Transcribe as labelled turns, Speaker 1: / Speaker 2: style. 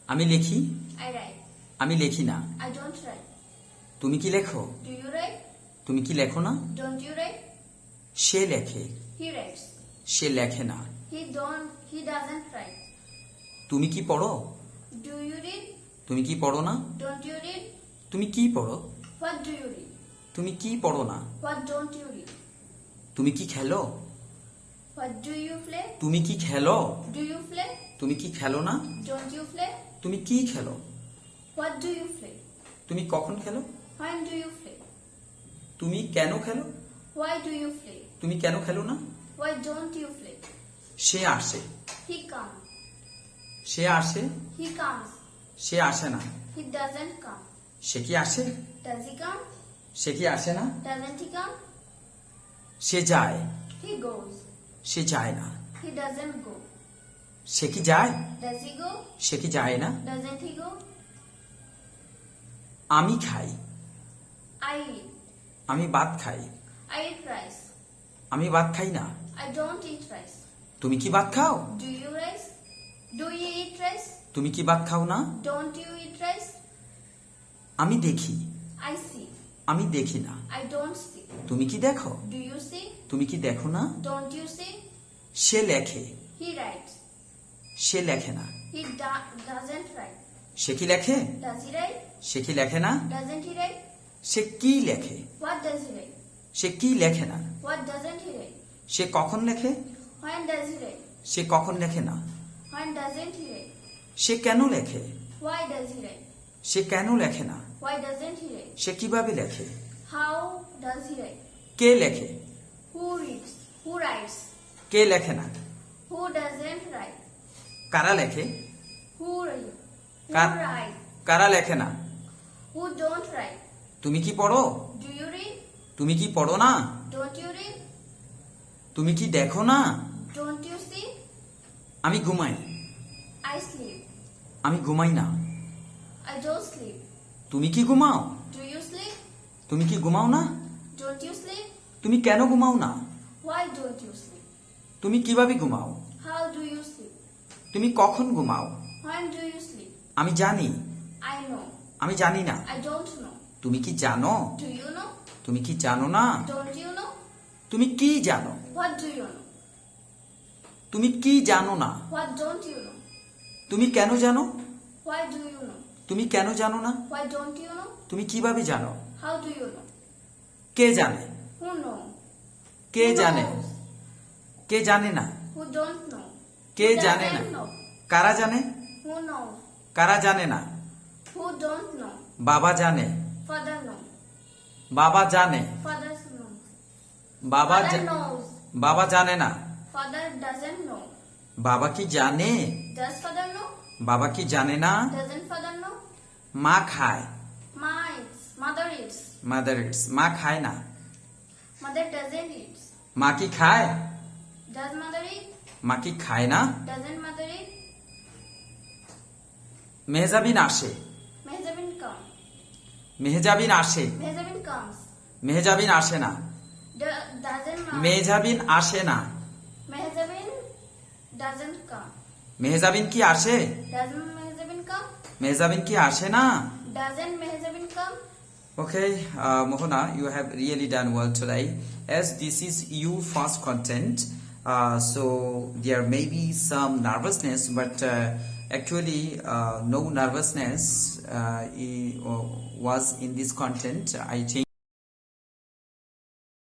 Speaker 1: আমি লিখি।
Speaker 2: I write.
Speaker 1: আমি লিখি না।
Speaker 2: I don't write.
Speaker 1: তুমি কি লেখো?
Speaker 2: Do you write?
Speaker 1: তুমি কি লেখো না?
Speaker 2: Don't you write?
Speaker 1: সে লেখে।
Speaker 2: He writes.
Speaker 1: সে লেখে না।
Speaker 2: He doesn't write.
Speaker 1: তুমি কি পড়ো?
Speaker 2: Do you read?
Speaker 1: তুমি কি পড়ো না?
Speaker 2: Don't you read?
Speaker 1: তুমি কি পড়ো?
Speaker 2: What do you read?
Speaker 1: তুমি কি পড়ো না?
Speaker 2: What don't you read?
Speaker 1: তুমি কি খেলো?
Speaker 2: What do you play?
Speaker 1: তুমি কি খেলো?
Speaker 2: Do you play?
Speaker 1: তুমি কি খেলো না?
Speaker 2: Don't you play?
Speaker 1: তুমি কি খেলো?
Speaker 2: What do you play?
Speaker 1: তুমি কখন খেলো?
Speaker 2: When do you play?
Speaker 1: তুমি কেন খেলো?
Speaker 2: Why do you play?
Speaker 1: তুমি কেন খেলো না?
Speaker 2: Why don't you play?
Speaker 1: সে আসে।
Speaker 2: He comes.
Speaker 1: সে আসে।
Speaker 2: He comes.
Speaker 1: সে আসে না।
Speaker 2: He doesn't come.
Speaker 1: সে কি আসে?
Speaker 2: Does he come?
Speaker 1: সে কি আসে না?
Speaker 2: Doesn't he come?
Speaker 1: সে যায়।
Speaker 2: He goes.
Speaker 1: সে যায় না।
Speaker 2: He doesn't go.
Speaker 1: সে কি যায়?
Speaker 2: Does he go?
Speaker 1: সে কি যায় না?
Speaker 2: Doesn't he go?
Speaker 1: আমি খাই।
Speaker 2: I eat.
Speaker 1: আমি ভাত খাই।
Speaker 2: I eat rice.
Speaker 1: আমি ভাত খাই না।
Speaker 2: I don't eat rice.
Speaker 1: তুমি কি ভাত খাও?
Speaker 2: Do you rice? Do you eat rice?
Speaker 1: তুমি কি ভাত খাও না?
Speaker 2: Don't you eat rice?
Speaker 1: আমি দেখি।
Speaker 2: I see.
Speaker 1: আমি দেখি না।
Speaker 2: I don't see.
Speaker 1: তুমি কি দেখো?
Speaker 2: Do you see?
Speaker 1: তুমি কি দেখো না?
Speaker 2: Don't you see?
Speaker 1: সে লেখে।
Speaker 2: He writes.
Speaker 1: সে লেখে না।
Speaker 2: He doesn't write.
Speaker 1: সে কি লেখে?
Speaker 2: Does he write?
Speaker 1: সে কি লেখে না?
Speaker 2: Doesn't he write?
Speaker 1: সে কি লেখে?
Speaker 2: What does he write?
Speaker 1: সে কি লেখে না?
Speaker 2: What doesn't he write?
Speaker 1: সে কখন লেখে?
Speaker 2: When does he write?
Speaker 1: সে কখন লেখে না?
Speaker 2: When doesn't he write?
Speaker 1: সে কেন লেখে?
Speaker 2: Why does he write?
Speaker 1: সে কেন লেখে না?
Speaker 2: Why doesn't he write?
Speaker 1: সে কিভাবে লেখে?
Speaker 2: How does he write?
Speaker 1: কে লেখে?
Speaker 2: Who reads? Who writes?
Speaker 1: কে লেখে না?
Speaker 2: Who doesn't write?
Speaker 1: কারা লেখে?
Speaker 2: Who read? Who
Speaker 1: Ka-
Speaker 2: write?
Speaker 1: কারা লেখে না?
Speaker 2: Who don't write?
Speaker 1: তুমি কি পড়ো?
Speaker 2: Do you read?
Speaker 1: তুমি কি পড়ো না?
Speaker 2: Don't you read?
Speaker 1: তুমি কি দেখো না?
Speaker 2: Don't you see?
Speaker 1: আমি ঘুমাই।
Speaker 2: I sleep.
Speaker 1: আমি ঘুমাই না।
Speaker 2: I don't sleep.
Speaker 1: তুমি কি ঘুমাও?
Speaker 2: Do you sleep?
Speaker 1: তুমি কি ঘুমাও না?
Speaker 2: Don't you sleep?
Speaker 1: তুমি কেন ঘুমাও না?
Speaker 2: Why don't you sleep?
Speaker 1: তুমি কিভাবে ঘুমাও?
Speaker 2: How do you sleep?
Speaker 1: তুমি কখন ঘুমাও?
Speaker 2: When do you sleep?
Speaker 1: আমি জানি।
Speaker 2: I know.
Speaker 1: আমি জানি না।
Speaker 2: I don't know.
Speaker 1: তুমি কি জানো?
Speaker 2: Do you know?
Speaker 1: তুমি কি জানো না?
Speaker 2: Don't you know?
Speaker 1: তুমি কি জানো?
Speaker 2: What do you know?
Speaker 1: তুমি কি জানো না?
Speaker 2: What don't you know?
Speaker 1: তুমি কেন জানো?
Speaker 2: Why do you know?
Speaker 1: তুমি কেন জানো না?
Speaker 2: Why don't you know?
Speaker 1: তুমি কিভাবে জানো?
Speaker 2: How do you know?
Speaker 1: কে জানে?
Speaker 2: Who know?
Speaker 1: কে
Speaker 2: Who
Speaker 1: জানে?
Speaker 2: knows?
Speaker 1: কে জানে না?
Speaker 2: Who don't know?
Speaker 1: K
Speaker 2: Who
Speaker 1: জানে না?
Speaker 2: doesn't know?
Speaker 1: কারা জানে?
Speaker 2: Who knows?
Speaker 1: কারা জানে না?
Speaker 2: Who don't know?
Speaker 1: বাবা জানে।
Speaker 2: Father knows.
Speaker 1: বাবা জানে।
Speaker 2: Father knows.
Speaker 1: বাবা
Speaker 2: Father
Speaker 1: জা-
Speaker 2: knows.
Speaker 1: বাবা জানে না।
Speaker 2: Father doesn't know.
Speaker 1: বাবা কি জানে?
Speaker 2: Does father know?
Speaker 1: বাবা কি জানে না?
Speaker 2: Doesn't father know?
Speaker 1: মা খায়।
Speaker 2: Ma eats. Mother eats.
Speaker 1: Mother eats. মা খায় না।
Speaker 2: Mother doesn't eat.
Speaker 1: মা কি খায়?
Speaker 2: Does mother eat?
Speaker 1: মা কি খায় না?
Speaker 2: Doesn't mother eat?
Speaker 1: মেহজাবিন আসে।
Speaker 2: Mehzabin come.
Speaker 1: মেহজাবিন আসে।
Speaker 2: Mehzabin comes.
Speaker 1: মেহজাবিন আসে না।
Speaker 2: Doesn't come.
Speaker 1: মেহজাবিন আসে না।
Speaker 2: Mehzabin doesn't come.
Speaker 1: মেহজাবিন কি আসে?
Speaker 2: Doesn't Mehzabin come?
Speaker 1: মেহজাবিন কি আসে না?
Speaker 2: Doesn't Mehzabin come?
Speaker 1: Okay, Mohana, you have really done well today. As this is your first content, so there may be some nervousness, but actually no nervousness was in this content. I think